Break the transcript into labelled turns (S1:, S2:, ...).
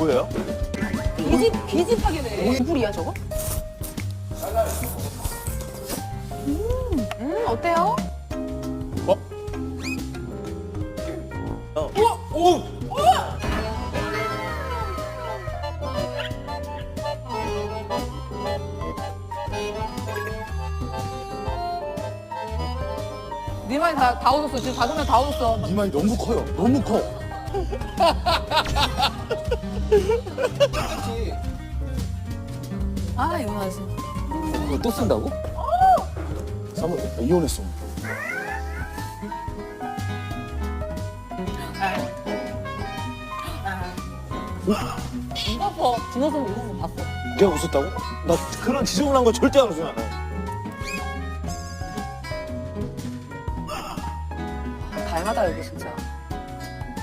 S1: 뭐예요?
S2: 계집하게네. 물이야 저거? 어때요?
S1: 어? 오!
S2: 네 말이 다 얻었어. 지금 다섯 명 다 얻었어.
S1: 이 말이 너무 커요. 너무 커.
S2: 아 이거 맞아.
S1: 그거 또 쓴다고? 사모 이혼했어.
S2: 웃었어. 진호성 웃은 거 봤어.
S1: 내가 웃었다고? 나 그런 지저분한 거 절대 안 웃어.
S2: 닮았다 여기 진짜.